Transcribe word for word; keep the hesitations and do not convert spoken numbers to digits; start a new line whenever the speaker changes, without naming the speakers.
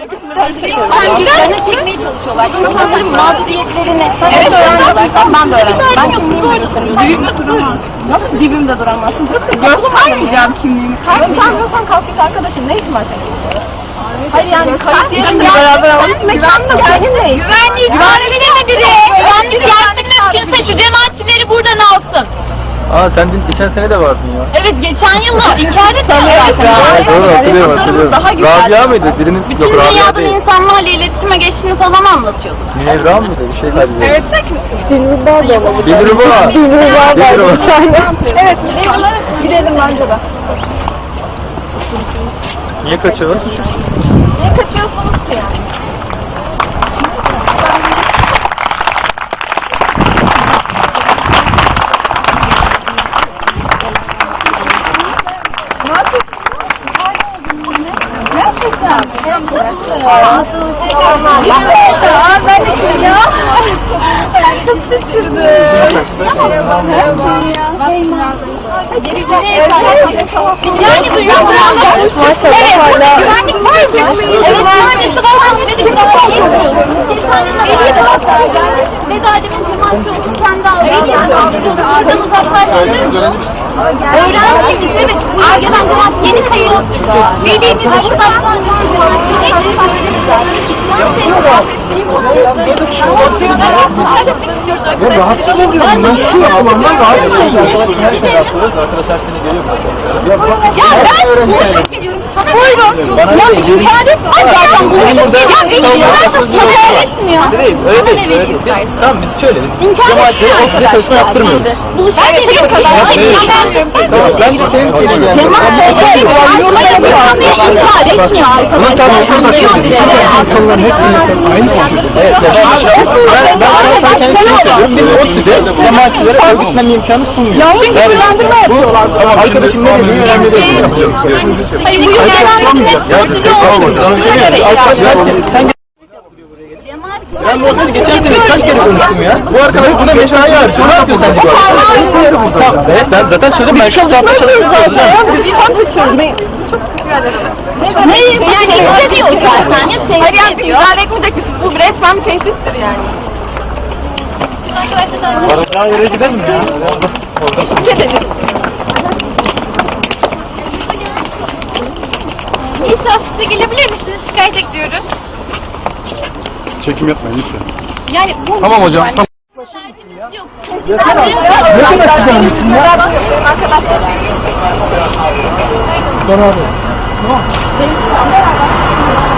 Kendilerini çekmeye çalışıyorlar. İnsanların mağduriyetlerini evet öğreniyorlar. Ben de öğrendim. Ben yok, siz orada duruyorsunuz. Dibimde duramaz. Nasıl dibimde duramazsın? Göstermeyeceğim kimliğimi. Göstermiyorsan kalk git arkadaşım. Ne işin var senin? Hayır yani kayıt yerinde beraber alıp mekanda seninle. Güvenlik güvenliğine mi biri? Güvenlik gelsin mümkünse şu cemaatçileri buradan alsın.
Aa sen dün geçen sene de vardın ya.
Evet geçen yılla inkar etmiyor zaten.
Evet doğru hatırlıyorum hatırlıyorum. Rabia mıydı? Birinin
bütün dünyadan insanlarla iletişime geçtiğini falan anlatıyordu.
Münevra mıydı? Bir şey kaydediyor.
Evet.
Dilruba da olabilir.
Dilruba.
Dilruba da olabilir.
Evet gidelim bence de.
Niye kaçıyorlar?
Niye kaçıyorsunuz ki yani? Gerçekten. Aa, ben de kim ya? Çok şaşırdım. Merhaba. Merhaba. Yani duyuyor musunuz? Evet, burada güvenlik var ki. Evet, güvenlik var. Veda edemin cemaatçi olduğunu kendi aldı. Oradan uzaklaştırır. Öğrenci işte Arge'den cemaat yeni sayıyor. Velimiz buradan
Ya rahatsız oluyorum. Ben şu alandan rahatsız oluyorum. Her sene yapıyoruz. Arkadaşlar seni geliyor.
Ya ben boşluk geliyorum. Buyurun. Ya inkar etme. Zaten boşluk geliyor. Ya inkar etmiyor.
Değil, öyle değil. Öyle değil. Tamam biz şöyle. Biz cemaatleri ofiste çalışma yaptırmıyoruz.
Buluşma geliyor kadar.
Ben de senin seni geldim.
İnkar etmiyor arkadaşlar.
İnsanların hepsi aynı konuşuyor. Evet. Ben ben sana kendisi söylüyorum. Biz ofiste cemaatçilere örgütlenme imkanı sunmuyoruz.
Yanlış bilgilendirme yapıyorlar.
Tamam arkadaşım ne dediğini önemli değil.
Hayır bu yönlendirme
Sen ben bu oteli geçen sene kaç kere konuştum ya? Bu arkadaş buna meşale var. Ne yapıyor sence bu arkadaş? Evet ben zaten söyledim ben şu anda çalışıyorum.
Çok Neyi? Yani hissediyor zaten. Hayır yani müdahale etmeyecek misiniz? Bu resmen bir tehdittir yani. Arkadaşlar
Varacağı yere gidelim mi ya?
eşlik edelim. İnşallah siz de gelebilir misiniz? Şikayet ekliyoruz.
Çekim yapmayın lütfen.
Yani bu
Tamam hocam. Tamam.
Yok.
Ne kadar güzelmişsin ya?
Arkadaşlar.
Beraber.
Tamam.